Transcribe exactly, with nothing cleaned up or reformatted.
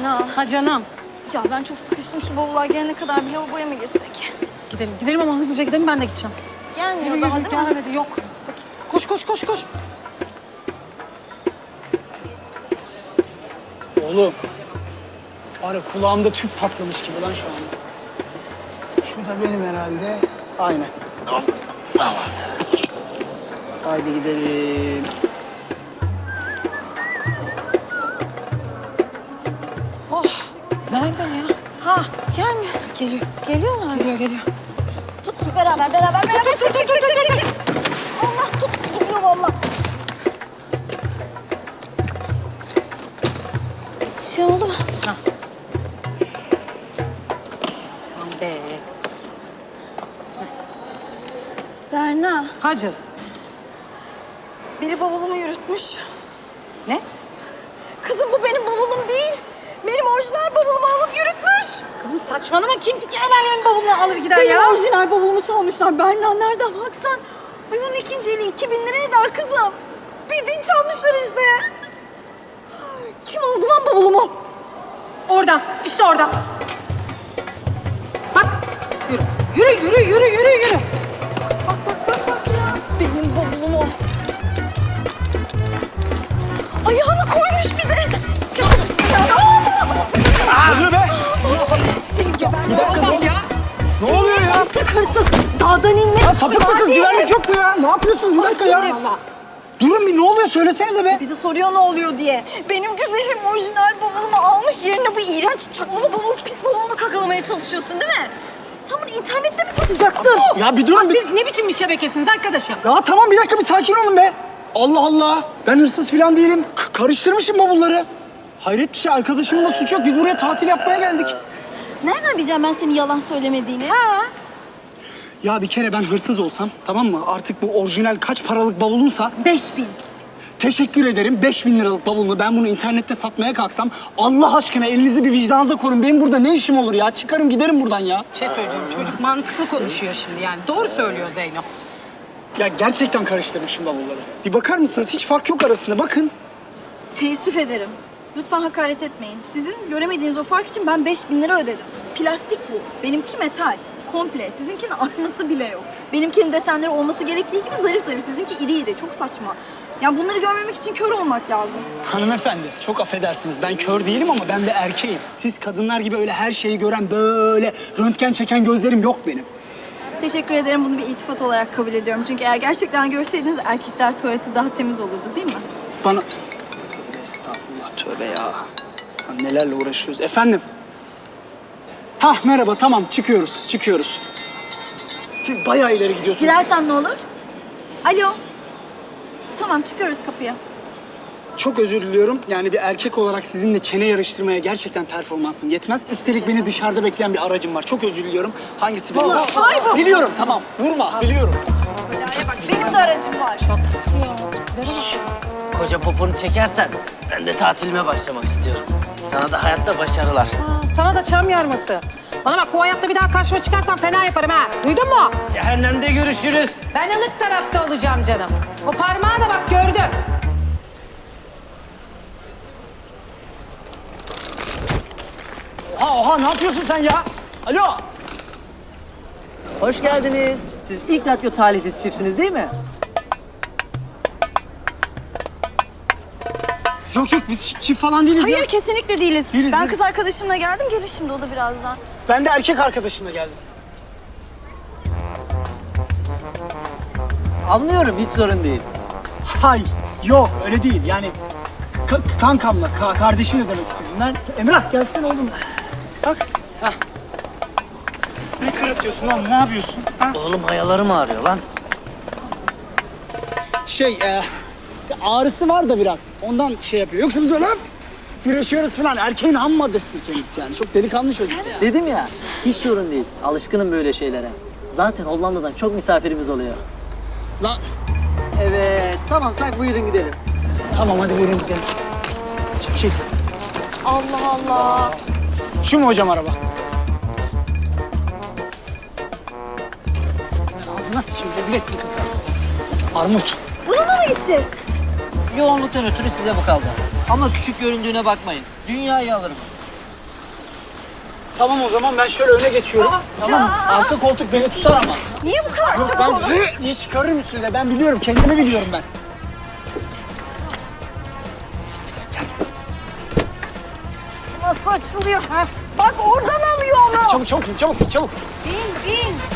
Berna. Ha canım. Ya ben çok sıkıştım. Şu bavullar gelene kadar bir lavaboya mı girsek? Gidelim. Gidelim ama hızlıca gidelim, ben de gideceğim. Gelmiyor Yürü, daha yürü, değil mi? gelmedi, yok. Koş koş koş koş. Oğlum. Var ya kulağımda tüp patlamış gibi lan şu anda. Şu da benim herhalde. Aynen. Hop. Tamam. Haydi gidelim. Oh. Nereden ya? Ha gelmiyor. Geliyor. Geliyorlar. Geliyor geliyor. Tut beraber beraber beraber. Tut tut tut tut tut. Allah tut gidiyor valla. Şey oldu mu? Ha. Aman be. Berna. Hacı. Biri bavulumu yürütmüş. Ne? Kızım bu benim bavulum değil. Benim orijinal bavulumu alıp yürütmüş. Kızım saçmalama, kim ki el alemin bavulunu alır gider Benim ya? orijinal bavulumu çalmışlar. Berna nereden baksan. Ay onun ikinci eli iki bin lira eder kızım. Bildiğin çalmışlar işte. Kim aldı lan bavulumu? Oradan, işte oradan. Bak, yürü. Yürü, yürü, yürü, yürü, yürü. Bak bak bak bak ya. Benim bavulumu. Ayağını koymuş bir de. Çok güzel. Hadi be! Seni geberdim. Bir dakika, Allah'ım ya. Ne oluyor ya? Hırsız hırsız. Dağdan inmek. Ya sapık mısınız? Hadi. Güvenlik yok mu ya? Ne yapıyorsunuz? Bir dakika ya. herif. Durun bir, ne oluyor? Söylesenize be. Bir de soruyor ne oluyor diye. Benim güzelim orijinal bavulumu almış yerine bu iğrenç çaklama bavul, pis bavulunu kakalamaya çalışıyorsun değil mi? Sen bunu internette mi satacaktın? Ya bir Aa, durun bir... siz ne biçim bir şebekesiniz arkadaşım? Ya tamam, bir dakika bir sakin olun be. Allah Allah. Ben hırsız falan değilim. K- karıştırmışım bavulları. Hayret bir şey. Arkadaşımın da suçu yok. Biz buraya tatil yapmaya geldik. Nereden bileceğim ben senin yalan söylemediğini? Ha? Ya bir kere ben hırsız olsam, tamam mı? Artık bu orijinal kaç paralık bavulunsa... Beş bin. Teşekkür ederim. Beş bin liralık bavulunu ben bunu internette satmaya kalksam... Allah aşkına elinizi bir vicdanınıza korun. Benim burada ne işim olur ya? Çıkarım giderim buradan ya. Bir şey söyleyeceğim, çocuk mantıklı konuşuyor şimdi yani. Doğru söylüyor Zeyno. Ya gerçekten karıştırmışım bavulları. Bir bakar mısınız? Hiç fark yok arasında. Bakın. Teessüf ederim. Lütfen hakaret etmeyin. Sizin göremediğiniz o fark için ben beş bin lira ödedim. Plastik bu. Benimki metal. Komple. Sizinkinin aynası bile yok. Benimkinin desenleri olması gerektiği gibi zarif zarif. Sizinki iri iri. Çok saçma. Yani bunları görmemek için kör olmak lazım. Hanımefendi, çok affedersiniz. Ben kör değilim ama ben de erkeğim. Siz kadınlar gibi öyle her şeyi gören, böyle röntgen çeken gözlerim yok benim. Teşekkür ederim. Bunu bir iltifat olarak kabul ediyorum. Çünkü eğer gerçekten görseydiniz erkekler tuvaleti daha temiz olurdu değil mi? Bana... Tövbe estağfurullah, tövbe ya. Ya nelerle uğraşıyoruz. Efendim? Hah, merhaba, tamam. Çıkıyoruz, çıkıyoruz. Siz bayağı ileri gidiyorsunuz. Gidersem ne olur? Alo. Tamam çıkıyoruz kapıya. Çok özür diliyorum. Yani bir erkek olarak sizinle çene yarıştırmaya gerçekten performansım yetmez. Üstelik beni dışarıda bekleyen bir aracım var. Çok özür diliyorum. Hangisi biliyorum? Allah, ay bu. Biliyorum, tamam. Vurma, biliyorum. Benim de aracım var. Koca poponu çekersen ben de tatilime başlamak istiyorum. Sana da hayatta başarılar. Aa, sana da çam yarması. Bana bak, bu hayatta bir daha karşıma çıkarsan fena yaparım ha. Duydun mu? Cehennemde görüşürüz. Ben ılık tarafta olacağım canım. O parmağı da bak gördüm. Oha, oha, ne yapıyorsun sen ya? Alo. Hoş geldiniz. Siz ilk radyo talihsiz çiftsiniz değil mi? Yok yok, biz çift falan değiliz ya. Hayır kesinlikle değiliz. Değiliz, ben değiliz. kız arkadaşımla geldim. Gelir şimdi o da birazdan. Ben de erkek arkadaşımla geldim. Anlıyorum, hiç sorun değil. Hayır, yok öyle değil. Yani ka- kankamla, ka- kardeşimle demek istedim. Ben... Emrah gelsene oğlum. Bak. Hah. Ne kırıtıyorsun lan, ne yapıyorsun? Ha? Oğlum hayalarım ağrıyor lan. Şey, e, ağrısı var da biraz. Ondan şey yapıyor. Yoksa biz öyle güreşiyoruz falan. Erkeğin ham maddesidir kendisi yani. Çok delikanlı çocuk. Dedim ya, hiç sorun değil. Alışkınım böyle şeylere. Zaten Hollanda'dan çok misafirimiz oluyor. Lan. Evet, tamamsak buyurun gidelim. Tamam hadi buyurun gidelim. Çekil. Allah Allah. Şu mu hocam araba? Ağzına sıçayım, rezil ettin kızlar bizi. Armut. Bununla mı gideceğiz? Yoğunluktan ötürü size bu kaldı. Ama küçük göründüğüne bakmayın. Dünyayı alırım. Tamam o zaman ben şöyle öne geçiyorum. Tamam. Tamam mı? Arka koltuk beni tutar ama. Niye bu kadar Yok çabuk ben oldu? hı diye çıkarırım üstüne. Ben biliyorum, kendimi biliyorum ben. Nasıl açılıyor? Bak oradan alıyor onu. Çabuk çabuk in, çabuk in, çabuk. İn in.